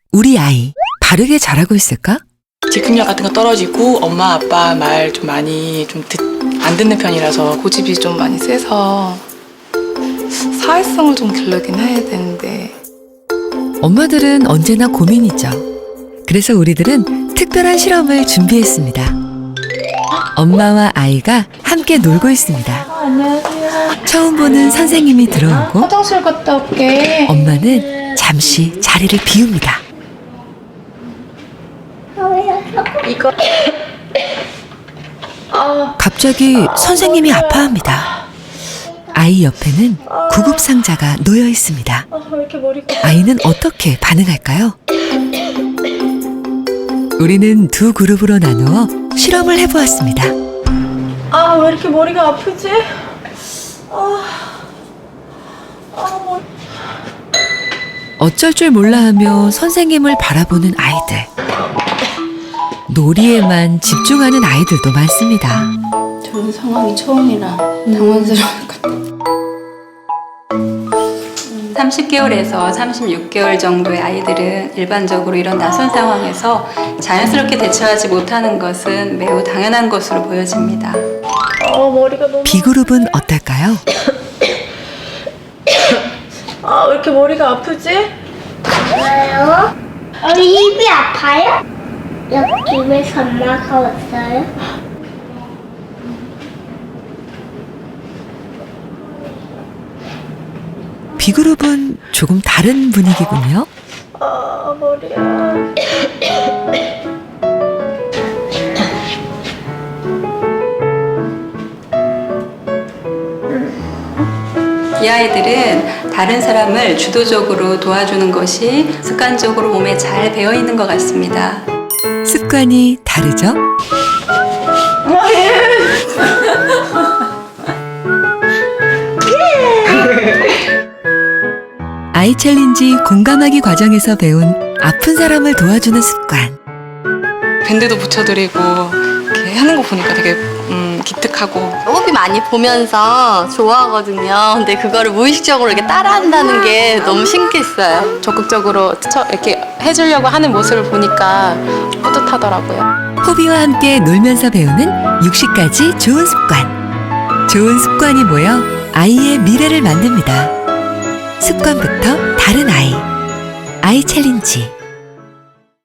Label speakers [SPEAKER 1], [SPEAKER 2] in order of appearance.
[SPEAKER 1] 우리 아이 바르게 자라고 있을까?
[SPEAKER 2] 즉흥력 같은 거 떨어지고 엄마 아빠 말 좀 많이 안 듣는 편이라서
[SPEAKER 3] 고집이 좀 많이 세서 사회성을 좀 기르긴 해야 되는데
[SPEAKER 1] 엄마들은 언제나 고민이죠. 그래서 우리들은 특별한 실험을 준비했습니다. 엄마와 아이가 함께 놀고 있습니다.
[SPEAKER 3] 안녕하세요.
[SPEAKER 1] 처음 보는 선생님이 들어오고
[SPEAKER 3] 화장실 갔다 올게.
[SPEAKER 1] 엄마는 잠시 자리를 비웁니다.
[SPEAKER 3] 이거
[SPEAKER 1] 갑자기 선생님이 아파합니다. 아이 옆에는 구급상자가 놓여 있습니다.
[SPEAKER 3] 왜 이렇게 머리가
[SPEAKER 1] 아이는 어떻게 반응할까요? 우리는 두 그룹으로 나누어 실험을 해보았습니다.
[SPEAKER 3] 왜 이렇게 머리가 아프지? 머리.
[SPEAKER 1] 어쩔 줄 몰라하며 선생님을 바라보는 아이들. 놀이에만 집중하는 아이들도 많습니다.
[SPEAKER 4] 저런 상황이 처음이라 당황스러울 것 같아요. 30개월에서 36개월 정도의 아이들은 일반적으로 이런 낯선 상황에서 자연스럽게 대처하지 못하는 것은 매우 당연한 것으로 보여집니다.
[SPEAKER 3] 머리가 너무.
[SPEAKER 1] B그룹은 어떨까요?
[SPEAKER 3] 왜 이렇게 머리가 아프지?
[SPEAKER 5] 왜요? 우리 입이 아파요? 여기 왜 엄마가 왔어요?
[SPEAKER 1] B그룹은 조금 다른 분위기군요.
[SPEAKER 3] 머리야.
[SPEAKER 4] 이 아이들은 다른 사람을 주도적으로 도와주는 것이 습관적으로 몸에 잘 배어 있는 것 같습니다.
[SPEAKER 1] 습관이 다르죠? 아이 챌린지 공감하기 과정에서 배운 아픈 사람을 도와주는 습관.
[SPEAKER 2] 밴드도 붙여드리고 이렇게 하는 거 보니까 되게 기특하고
[SPEAKER 6] 호비 많이 보면서 좋아하거든요. 근데 그거를 무의식적으로 이렇게 따라한다는 게 너무 신기했어요.
[SPEAKER 3] 적극적으로 이렇게 해주려고 하는 모습을 보니까 뿌듯하더라고요.
[SPEAKER 1] 호비와 함께 놀면서 배우는 60가지 좋은 습관. 좋은 습관이 모여 아이의 미래를 만듭니다. 습관부터 다른 아이. 아이 챌린지.